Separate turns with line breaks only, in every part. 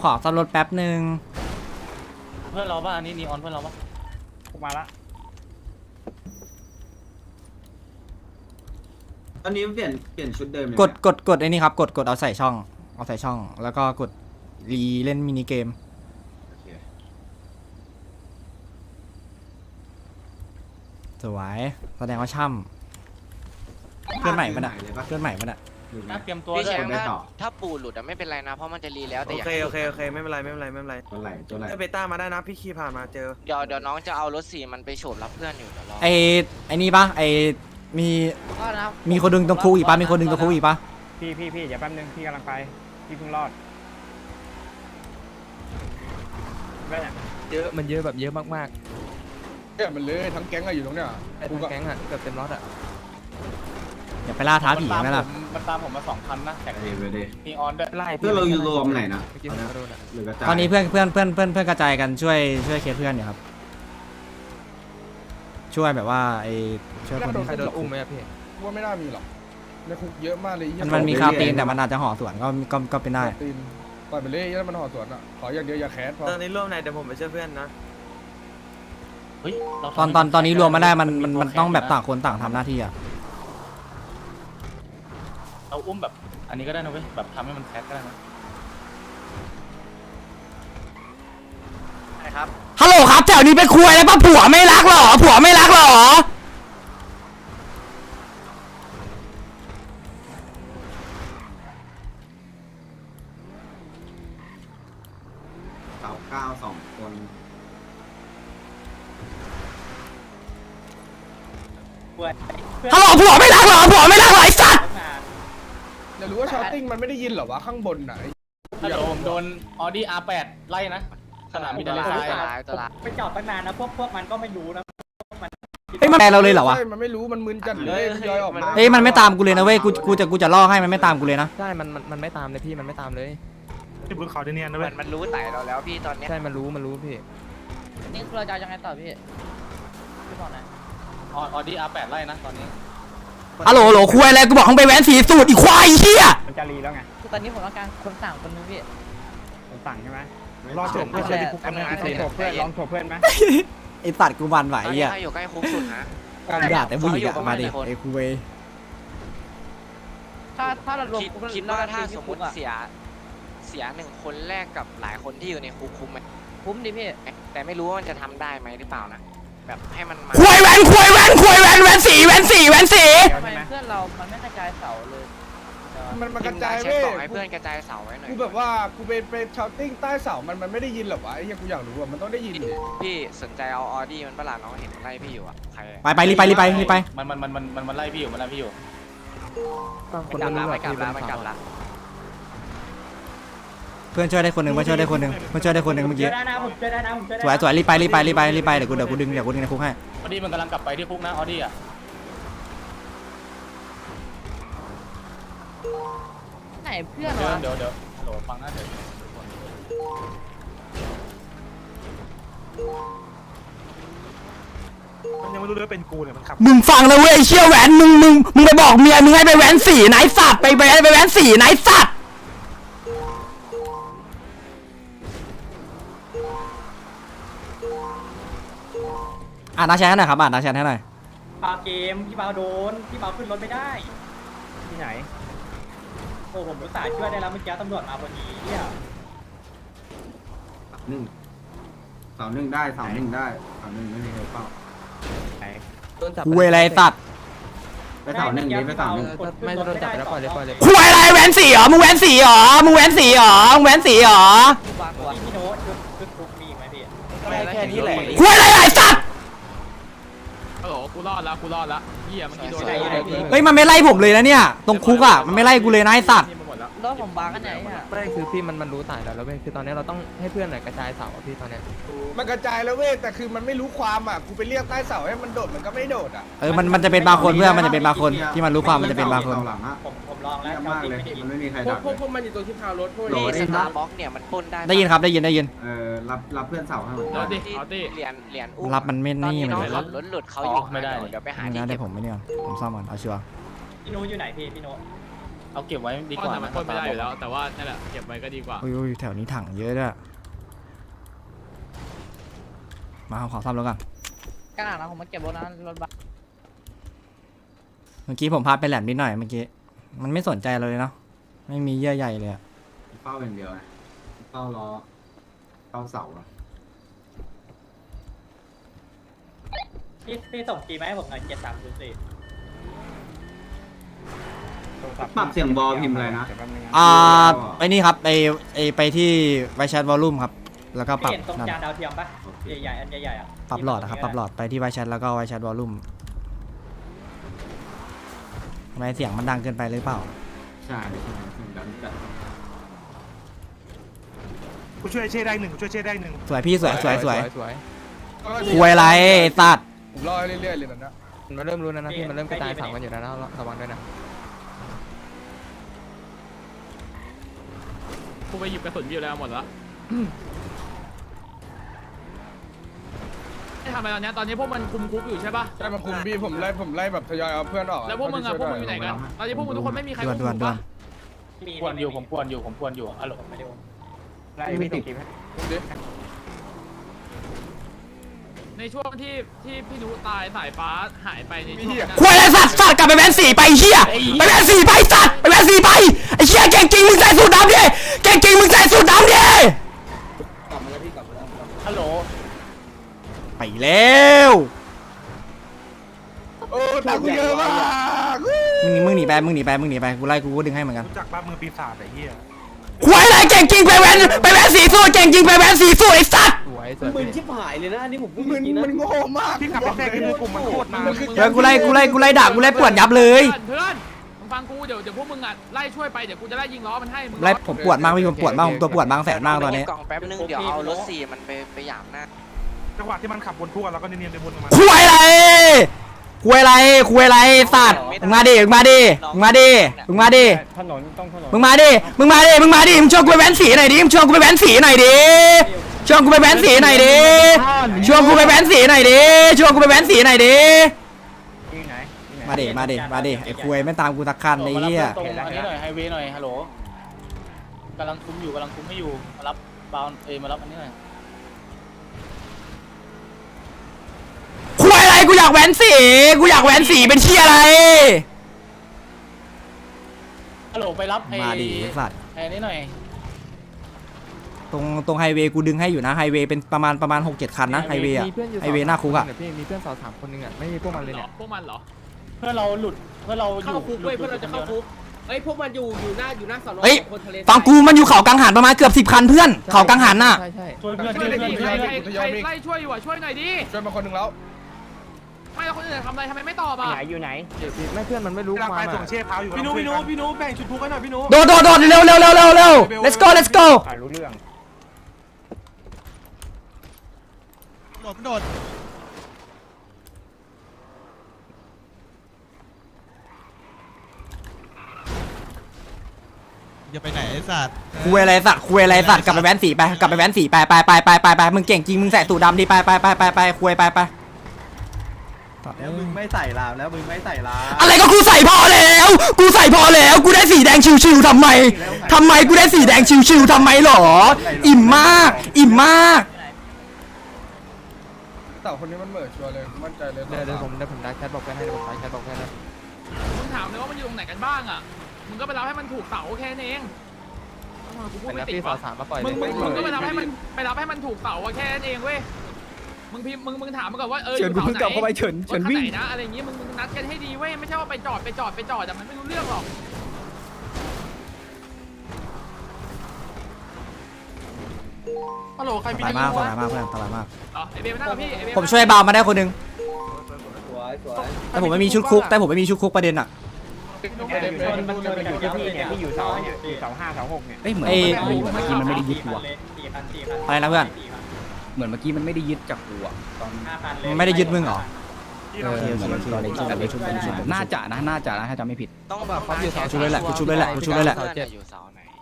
ขอซ่อมรถแป๊บนึง
เพื่อนเราป่ะอันนี้นีออนเพื่อนเราป่ะ
มาละ
ตอนนี้เปลี่ยนชุดเดิม
กดไอ้นี่ครับกดเอาใส่ช่องแล้วก็กดรีเล่นมินิเกมสวยแสดงว่าช่ำเพื่อนใหม่ปะเนี่ยเพื่อนใหม่ปะเนี่ย
น่าเตรียมตัว
พี่
ด้ว
แช
ย
มป์ถ้าปูหลุดอะไม่เป็นไรนะเพราะมันจะรีแล้วแต่
โอ
อยาก
เคไม่เป็นไร
ตัวไหล
ไอเบต้ามาได้นะพี่ขี่ผ่านมาเจอ
เดี๋ยวน้องจะเอารถ4มันไปโฉบรับเพื่อนอยู่เดี๋ยวรอ
ไอ้นี่ปะมีคนดึงตรงคุกอีกปะมีคนดึงตรงคุกอีกปะ
พี่อย่าแป๊บนึงพี่กำลังไปพี่เพิ่งรอดแม่
เยอะมันเยอะแบบเยอะมาก
เนี่ยมันเลยทั้งแก๊งอะอยู่ตรงเนี้ย
ๆไอ้ทั้งแก๊งอ่ะเกือบเต็มรถอ่ะ
อย่าไปล่าท้าผีไหมล่ะ
มันตามผมมา2,000นะแต่
เดี๋ยว
นีออนด้วย
ไล่
เพื่อเราอยู่รวมไหนนะ
เมื่อกี้ผมก็โดนอ่ะ
หรือกระจาย
ตอนนี้เพื่อนกระจายกันช่วยเคสเพื่อนอยู่ครับช่วยแบบว่าช่วยคนที่
ใครโดนอุ้มไหมอะพี่
ว่าไม่น่ามีหรอกในคุกเยอะมากเลย
มันมีคาตีนแต่มันอาจจะห่อสวนก็เป็นได้
ตีนปล่อยไปเลยแล้วมันห่อสวนอ่ะขออย่างเดียวอย่าแคสพอ
ตอนนี้ร่วมไหนเดี๋ยวผมไปช่วยเพื่อนนะ
เฮ้ย
ตอนนี้รวมมาได้มันต้องแบบต่างคนต่างทำหน้าที่อ่ะ
เราอุ้มแบบอันนี้ก็ได้นะเว้ยแบบทำให้มันแคสก็ได้นะ
นะครับ
ฮัลโหลครับแถวนี้ไปคุยอะไรป่ะผัวไม่รักหรอ
เสา9 2 คน
ฮัลโหลผัวไม่รักหรอไอ้สัตว์
จะรู้ว่าชาวติ้งมันไม่ได้ยินหรอวะข้างบนไหน
ถ้าเดี๋ยวผมโดนออดี้ R8 ไล่นะสนามบินทะเลทราย
ตลาด
ไปจอดตั้งนานนะพวกมันก็ไม่รู้นะ
เฮ้ยมันแปลเราเลยเหรอวะ
ใช่มันไม่รู้มันมึนจัดเลยมันย่อยออกมา
เฮ้ยมันไม่ตามกูเลยนะเว้ยกูจะล่อให้มันไม่ตามกูเลยนะ
ใช่มันไม่ตามเลยพี่มันไม่ตามเลย
ที่บนเขาที่นี่นะเว้ย
มันรู้ไต่เราแล้วพี่ตอนเนี้ย
ใช่มันรู้พี่
นี่เราจะยังไงต่อพี่พี่บอกหน่อย
ออดี้ R8 ไล่นะตอนนี้
ฮัลโหลคุยอะไรกูบอกให้ไปแว้นสีสูตรอีควายเหี้ย
มันจะรีแล้วไง
คือตอนนี้ผมต้องการคนสั่งคนนึงพี่
ผมสั่งใช่ไหม
รอจบ
ไม่ใช่
ลองโฉบเพื่อนไหม
ไอ้สัตว์กูมันไหว
ตอนนี้
อ่ะ
ใครอยู่ใกล้คุกสุดนะ
ด่าแต่ผู้หญิงอะมาดิไอ้คุย
ถ้าเรารวม
คิดว่าถ้าสมมติเสีย1 คนแรกกับหลายคนที่อยู่ในคุกคุ้มไหม
คุ้มดิพี่
แต่ไม่รู้ว่ามันจะทำได้ไหมหรือเปล่านะแบบให้มันมา
คุยแว้นแว้นสี
ทำไมเพื่อนเรามันไม่กระจายเสาเลย
มันกระจาย
เช็ค
เว้ย
บอกให้เพื่อนกระจายเสาไว้หน่อย
กูแบบว่ากูเป็นชาวติ้งใต้เสามันไม่ได้ยินหรอวะไอ้ยังกูอยากรู้ว่ามันต้องได้ยินดิ
พี่สนใจเอาออดี้มันประหลาดน้องเห็นไล่พี่อยู่อะใคร
ไปรีบไป
มันไล่พี่อยู่
บางคน
กลับ
ไม่
ละ
รู้
ไม่กลับละ
อะ
ไม่กลับละ
เพื่อนช่วยได้คนหนึ่งเมื่อกี้
ได้นะผมช่วยได้นะผมช่วยได้
สวยรีบไปเดี๋ยวกูดึงในคุกให้
ออดี้มันกำลังกลับไปที่คุกนะออดี้อ่ะ
ไหนเพื่อน
เดี๋ยว
วะ
ฮัลโหลฟังนะเดี๋ยวมันยังไม่รู้เลยว่าเป็นกูเนี่ยมันขับ
มึงฟังนะเว้ยเชี่ยวแหวนมึงไปบอกเมียมึงให้ไปแหวนสีไหนสัตว์ไปแหวนสีไหนสัตว์อ่านนาแชทให้หน่อยครับนาแชทให้หน่อย
ปาเกมพี่เปาโดนพี่เปาขึ้นรถไม่ได้ที่ไหนโอ้ผมรู้สายช่วยได้แล้วเมื่อกี้ตำรวจมาพอดีเนี่ย
เสา 1ได้เสา 1ได้เสา 1ไม่มีใครเฝ้า
โดนจับ
คุยอะไรสัตว์
ไปเสา 1นี้ไปเสา
ไม่โดนจับแล้วปล่อยเลย
คุยอะไรแหวนสีเหรอมึงแหวนสีเหรอ
พี่วางตัว
พี่โน้ตชุดคุกมีอีกไหมพี่
แค่นี้แหละ
คุยอะไรไอ้สัตว์
ฮัลโหลกูรอดละเหี้ยเมื่อกี้โดน
เฮ้ยมันไม่ไล่ผมเลยนะเนี่ยตรงคุกอ่ะมันไม่ไล่กูเลยนะไอ้สัตว์
รถผมบางกันไหนอ่ะ
ไม่คือพี่มันรู้ตายแล้วเว้ยคือตอนนี้เราต้องให้เพื่อนหน่อยกระจายเสาอะพี่ตอนเนี้ย
มันกระจายแล้วเว้ยแต่คือมันไม่รู้ความอ่ะกูไปเรียกใต้เสาให้มันโดดมันก็ไม่โดดอ่ะ
มันจะเป็นบางคนเพื่อนมันจะเป็นบางคนที่มันรู้ความมันจะเป็นบางคน
เสาหลังอะ
ผมลองแล้ว
เยี่ยมมากเลยมันไม่มีใครดักเลย
มันอยู่ตรงที่พาวรถพวก
นี่
โหล
สตาร์บ็อกเนี่ยมันปล้นได้
ได้ยินครับได้ยิน
รับเพื่อนเสาให้หมด
เอาดิ
เหรียญอุ้ม
รับมันไม่
ตอน
นี่
นี้
มัน
น้อง
เลย
ขับรถหลุดเขาอยู่
ไม่ได้
เดี๋ยวไปหา
ไม่
ที่
ได้
เก็บ
ผมไม่เนี่ยผมซ่อมก่อนเอาชัวร์
พี่โน้ตอยู่ไหนพี่โน้ต
เอาเก็บไว้ดีก
ก็
ว่า
ทำมันปล้นไม่ได้อยู่แล้ว แต่ว่านั่นแหละเก็บไว้ก็ดีกว่า
อุ้ยแถวนี้ถังเยอะด้วยมาขอซ่อมรถก่อน
กระดาษนะผมมาเก็บรถนะรถบัส
เมื่อกี้ผมพาไปแหลมนิดหน่อยเมื่อกี้มันไม่สนใจเราเลยเนาะไม่มีเยื่อใยเลยอะ
เฝ้าอย่างเดียวไงเฝ้าล้อเฝ้าเสาอะ
พี่ส่งจีมาให้ผมหน่อย7304
ปรับเสียงบอลพิมพ์อะไรนะ
ไอ้นี่ครับไปที่ไวแชทวอลลุ่มครับแล้วก็ป
พี่
รับ
เห็นตรง
นั่น
จานดาวเทียมปะใหญ่ๆอันใหญ่ๆอ่ะ
ปรับหลอดนะครับปรับหลอดไปที่ไวแชทแล้วก็ไวแชทวอลลุ่มทำไมเสียงมันดังเกินไปหรือเปล่า
ใช่ใช่เสียงดังจัด
กูช่วยเช่ได้หนึ่งช่วยเช่ได้หนึ่ง
สวยพี่สวย
สวย
คุยอะไรไอ้สัตว์
ผมรอเรื่อยๆเลยนะ
มันเริ่มรู้แล้วนะพี่มันเริ่มกระจายฝั่งกันอยู่แล้วนะระวังด้วยนะ
กูไปหยิบกระสุนอยู่แล้วหมดแล้วไม่ทำอะไรตอนเนี้ยตอนนี้พวกมันคุมคุกอยู่ใช่ปะ
ใช่มาคุมพี่ผมไล่แบบทยอยเอาเพื่อนออก
แล้วพวกมึงอะพวกมึงอยู่ไหนกันตอนนี้พวกมึงทุกคนไม่มีใคร
ด่วน
คุ
ด่วน
ม
ด่ว
ปะ
น
ควรอยู่ผมควรอยู่อะโหล
ไม่ได้
ไม่ติด
ในช่วงที่พี่นุตายสายฟ้าหายไปในช่วงนั้น
คุยอะไรสัตว์กลับไปแวนสี่ไปเฮียไปแวนสี่ไปสัตว์ไปแวนสี่ไปไอ้เฮียเก่งจริงมึงใส่สูทดำดิเก่งจริงมึงใส่สูทดำดิ
ฮัลโหล
ไปแล้ว
โอ้ตังค์เยอะมาก
มึงหนีไปกูไล่กูก็ดึงให้เหมือนกัน
จากบ้านมือปีศาจไอ้เหี้ย
คุยอะไรเก่งจริงไปแวนสีสู้เก่งจริงไปแวนสีสู้ไอ้สัตว์
สวย
มึนชิบหายเลยนะอันนี้ผมพูด
มันโง่มากพี่ขับไปแทรกในกลุ่มมันโคตรนาน
เดี๋ยวกูไล่ด่ากูไล่ปวดยับเลย
เพื่อนมึงฟังกูเดี๋ยวพวกมึงอะไล่ช่วยไปเดี๋ยวกูจะไล่ยิงล้อมันให้มึง
ไล่ผมปวดมากพี่ผมปวดมากผมตัวปวดบางแสนมากตอนนี้
กล่องแป๊บนึงเดี๋ยวเอารถ4มันไปหยามหน้า
จังหวะที่มันขับบนทั่วแล้วก็เนียนๆไปบนมัน
คุยอะไรสัตว์มึงมาดิมึงมาดิมึงมาดิมึงชวนกูไปแว้นสีหน่อยดิชวนกูไปแว้นสีหน่อยดิชวนกูไปแว้นสีหน่อยดิมาดิไอ้คุยไม่ตามกูสักคันไอ้เหี้ย
ตรงอันนี้หน่อยไฮเวย์หน่อยฮัลโหลกำลังคุมไม่อยู่มารับบาวมารับอันนี้หน่อย
คุยอะไรกูอยากแว้นสีเป็นเชี่ยอะไร
ฮัลโหลไปรับ
มาดิสัตว์
ไอ้นี่หน่อย
ตรงไฮเวย์กูดึงให้อยู่นะไฮเวย์เป็นประมาณ 6-7 คันนะไฮเวย์อะ
มีเพื่อนอยู่
ไฮเวย์หน้าคุกอะ
พี่มีเพื่อน2-3คนนึงอะไม่มีพวกมันเลยเนี่ย
พวกมันเหรอ
เพื่อเราหลุดเพื่อเราอยู่
เข้าคุกเว้ยเพื่อเราจะเข้าคุกเฮ้ยพวกมันอยู่หน้าสอนอ
เฮ้ย
คนทะเล
ฟังกูมันอยู่เขากังหันประมาณเกือบ10 คันเพื่อนเขากังหันน่ะ
ใช่
ช่วยเพื่อน
ช่วยหน่อยดิ
เพื่อน
ใครไล่ช่วยอยู่อะช่วยหน่อยดิ
ช่วยมาคนหนึ่งแล้ว
ไม่แล้วคนอื่นทำอะไรทำไมไม่ตอบอ่ะ
ไม่เพื่อนมันไม่รู้ความ
ไปส่งเช่เท้าอยู่พี่นุแบ่งชุดทุกข์ให้หน่อยพี่นุ
โดดเร็ว let's go
โดดอย่าไปไหนไอ้สัตว์
คุยอะไรสัตว์กลับไปแว้นสีไปมึงเก่งจริงมึงใส่สูทดำดิไปคุยไป
แล้วมึงไม่ใส่ลามแล้วมึงไม่ใส่ลาม
อะไรก็กูใส่พอแล้วกูได้สีแดงชิวๆทำไมกูได้สีแดงชิวๆทำไมหรออิ่มมาก
เต่าคนนี้มันเหม่อชัวร์เลยมั่นใจเลย
เดี๋ยวผมได้แชทบอกไปให้
มึงถามเลยว่ามันอยู่ตรงไหนกันบ้างอ่ะมึงก็ไปรับให้มันถูกเสาแค่นั้นเองกูพูด
แต่
ไม่ติด
พี่
ว่ะ
2-3มาปล่อยเล
มึ
ย
งก็ไปรับให้มันถูกเสาแค่นั้นเองเว้ยมึงถามมันก่อนว่า
เฉิ
อยู่
น
เสาไหน
กลับเข้าไปเฉิน
รถคัน
วิ่ง
ไหนนะอะไรอย่างงี้มึงนัดกันให้ดีเว้ยไม่ใช่ว่าไปจอดแต่มันไม่รู้เรื่องหรอกฮัลโหลใครมี
สบายมากเพื่อนสบายมาก
อ๋อไอเบลมานั่งกับพี่ไอเบล
ผมช่วยเบามาได้คนนึงแต่ผมไม่มีชุดคุกประเด็นอะ
มันอยู่ที่พี่เนี่ยพี่อยู่เสา5
เอ้ยเหมือน
ไอ้
เมื่อกี้มันไม่ได้ยึดกูอะ
อะไรนะเพื่อน
เหมือนเมื่อกี้มันไม่ได้ยึดจากกูอะตอน
มันไม่ได้ยึดมึงเหรอ
เหมือนตอนเล่นชุดน่าจะนะถ้าจำไม่ผิด
ต้องแบบเขาอยู่เสา
ชุบเลยแหละ
อยู่เสาไหน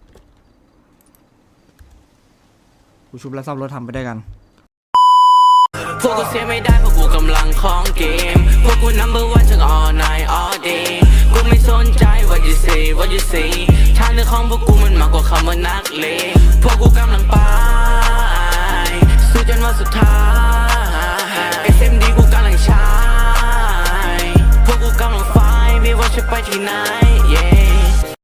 กูชุบแล้วซ่อมรถทำไปด้วยกัน
พวกกูเสียไม่ได้เพราะกูกำลังของเกมพวกกู number one ทั้ง all night all day กูไม่สนใจ what you say what you say ทางเดินของพวกกูมันมากกว่าคำว่านักเลงพวกกูกำลังไปสู้จนวันสุดท้าย SMD กูกำลังใช้พวกกูกำลังไฟไม่ว่าจะไปที่ไหน